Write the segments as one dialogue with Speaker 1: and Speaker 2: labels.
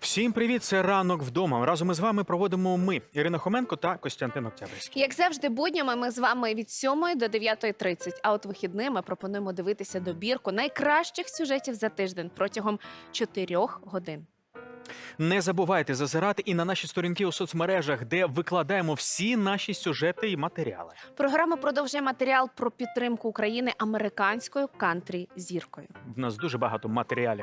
Speaker 1: Всім привіт, це «Ранок вдома». Разом із вами проводимо ми, Ірина Хоменко та Костянтин Октябрьський.
Speaker 2: Як завжди, буднями ми з вами від 7 до 9:30, а от вихідними пропонуємо дивитися добірку найкращих сюжетів за тиждень протягом 4 годин.
Speaker 1: Не забувайте зазирати і на наші сторінки у соцмережах, де викладаємо всі наші сюжети і матеріали.
Speaker 2: Програма продовжує матеріал про підтримку України американською кантрі-зіркою.
Speaker 1: В нас дуже багато матеріалів.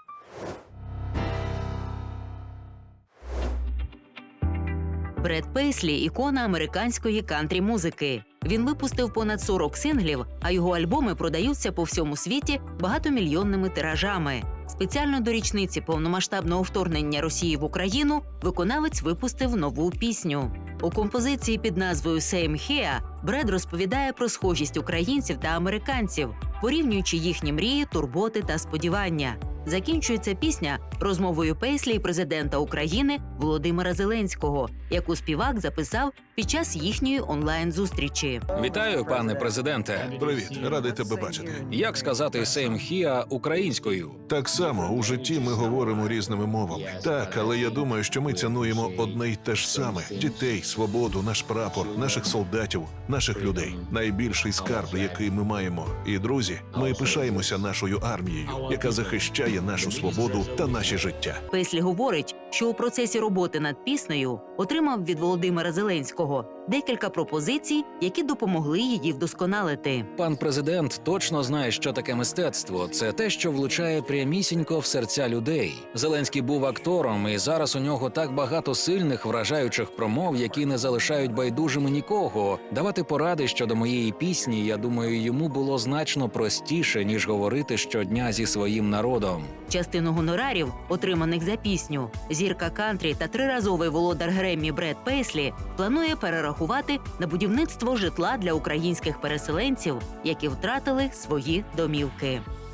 Speaker 3: Бред Пейслі – ікона американської кантрі-музики. Він випустив понад 40 синглів, а його альбоми продаються по всьому світі багатомільйонними тиражами. Спеціально до річниці повномасштабного вторгнення Росії в Україну виконавець випустив нову пісню. У композиції під назвою «Same Here» Бред розповідає про схожість українців та американців, порівнюючи їхні мрії, турботи та сподівання. Закінчується пісня розмовою Пейслі і президента України Володимира Зеленського, яку співак записав під час їхньої онлайн-зустрічі.
Speaker 4: Вітаю, пане президенте.
Speaker 5: Привіт, радий тебе бачити.
Speaker 4: Як сказати «Same here» українською?
Speaker 5: Так само у житті ми говоримо різними мовами. Так, але я думаю, що ми цінуємо одне й те ж саме: дітей, свободу, наш прапор, наших солдатів, наших людей. Найбільший скарб, який ми маємо. І, друзі, ми пишаємося нашою армією, яка захищає нашу свободу та наше життя.
Speaker 3: Пейслі говорить, що у процесі роботи над піснею отримав від Володимира Зеленського декілька пропозицій, які допомогли її вдосконалити.
Speaker 4: Пан президент точно знає, що таке мистецтво. Це те, що влучає прямісінько в серця людей. Зеленський був актором, і зараз у нього так багато сильних, вражаючих промов, які не залишають байдужими нікого. Давати поради щодо моєї пісні, я думаю, йому було значно простіше, ніж говорити щодня зі своїм народом.
Speaker 3: Частину гонорарів, отриманих за пісню, зірка кантрі та триразовий володар Греммі Бред Пейслі планує перерахувати на будівництво житла для українських переселенців, які втратили свої домівки.